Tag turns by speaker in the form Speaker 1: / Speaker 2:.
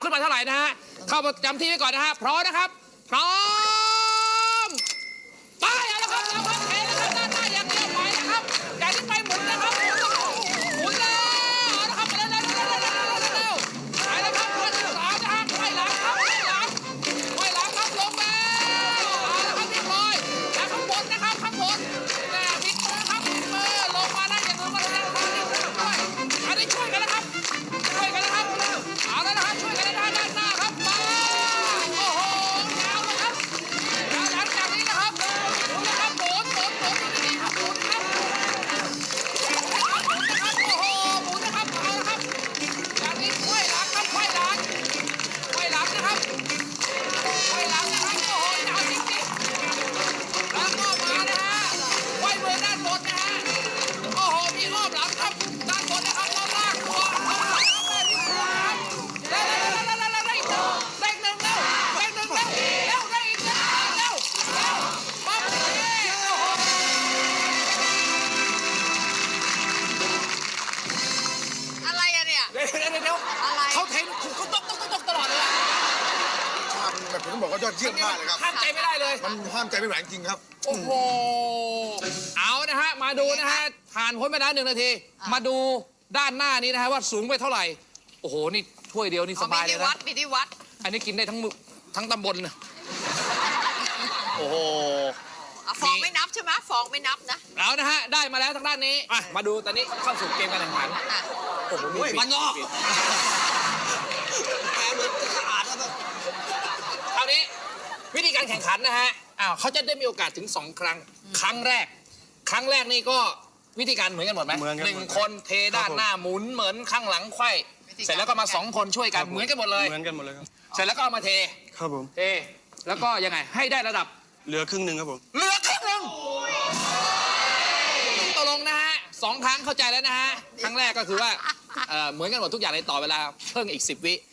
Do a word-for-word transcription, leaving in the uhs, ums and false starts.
Speaker 1: ขึ้นมาเท่าไหร่นะฮะเข้าประจำที่ไว้ก่อนนะฮะพร้อมนะครับพร้อมไปเอาละครับเอาครับเทนะครับด้านหน้าอย่างเดียวไปนะครับจากนี้ไปหมุนนะครับหมุนแล้วเอาละครับเร็วเร็วเร็วเร็วเร็วเร็วไปแล้วครับคนที่สามนะฮะไขว้หลังครับไขว้หลังไขว้หลังครับลงแล้วเอาละครับเรียบร้อยแล้วข้างบนนะครับข้างบนแน่พลิกมือครับพลิกมือลงมาได้อย่างเดียวก็ได้ครับด้วยอันนี้ช่วยกันนะครับช่วยกันนะครับเอาแล้วนะครับช่วยกันนะด้านหน้าครับมาโอ้โหยาวเลยครับยาวหลังจากนี้นะครับหมุนนะครับหมุนหมุนหมุนดีๆครับหมุนครับหมุนนะครับโอ้โหหมุนนะครับเอาละครับจากนี้ไขว้หลังครับไขว้หลังไขว้หลังนะครับไขว้หลังนะครับโอ้โหยาวจริงๆแล้วก็มานะฮะไขว้มือด้านบนนะฮะโอ้โหมีอ้อมหลังครับด้านบนนะครับเราลากตัวเอาละครับแม่พี่ครูครับเร็วเร็วเร็วเร็วเร็วเร็วเร่งหนึ่งเร็วเร่งหนึ่งเร็วเร็วเร่งอีกเร็วเร็วเร็วปั๊บเอ้ยโอ้โห
Speaker 2: อะไรอะเนี่ย
Speaker 1: เดี๋ยวเดี๋ยวเดี๋ยว
Speaker 2: อะไร
Speaker 1: เขาเทนเขาตกตกตกตกตลอดเลยอะ
Speaker 3: ชาติแบบผมต้องบอกว่ายอดเยี่ยมมากเลยครับ
Speaker 1: ห้ามใจไม่ได้เลย
Speaker 3: มันห้ามใจไม่ไหวจริงครับ
Speaker 1: โอ้โห เอานะฮะ มาดูนะฮะ ผ่านพ้นไปแล้วหนึ่งนาที มาดูด้านหน้านี้นะฮะว่าสูงไปเท่าไหร่ โอ้โห นี่ถ้วยเดียวนี่ส
Speaker 2: เขา
Speaker 1: บา
Speaker 2: มี
Speaker 1: ยเล
Speaker 2: ที่
Speaker 1: ย
Speaker 2: วั
Speaker 1: นะ
Speaker 2: ดมีที่วัด
Speaker 1: อันนี้กินได้ทั้งมือทั้งตำบลนะโอ้โห
Speaker 2: อ่ะฟองไม่นับใช่ไหมฟองไม่นับนะ
Speaker 1: เอานะฮะ ได้มาแล้วทางด้านนี้อ่ะมาดูตอนนี้เข้าสู่เกมการแข่งขัน
Speaker 2: อ่ะ
Speaker 1: โอ้โหนี่มันนอกคราวนี้วิธีการแข่งขันนะฮะ อ้าวเขาจะได้มีโอกาสถึงสองครั้ง ครั้งแรก ครั้งแรกนี่ก็วิธีการเหมือนกันหมดไหม
Speaker 4: เหมือนกัน
Speaker 1: หนึ่งคนเทด้านหน้าหมุนเหมือนข้างหลังไขว้เสร็จแล้วก็มาสองคนช่วยกันเหมือนกันหมดเลย
Speaker 4: เหมือนกันหมดเลยครับ
Speaker 1: เสร็จแล้วก็เอามาเท
Speaker 4: ครับผม
Speaker 1: เท แล้วก็ยังไงให้ได้ระดับ
Speaker 4: เหลือครึ่งหนึ่งครับผม
Speaker 1: เหลือครึ่งหนึ่งตกลงนะฮะสองครั้งเข้าใจแล้วนะฮะ ครั้งแรกก็คือว่าเอ่อเหมือนกันหมดทุกอย่างเลยต่อเวลาเพิ่มอีกสิบวิ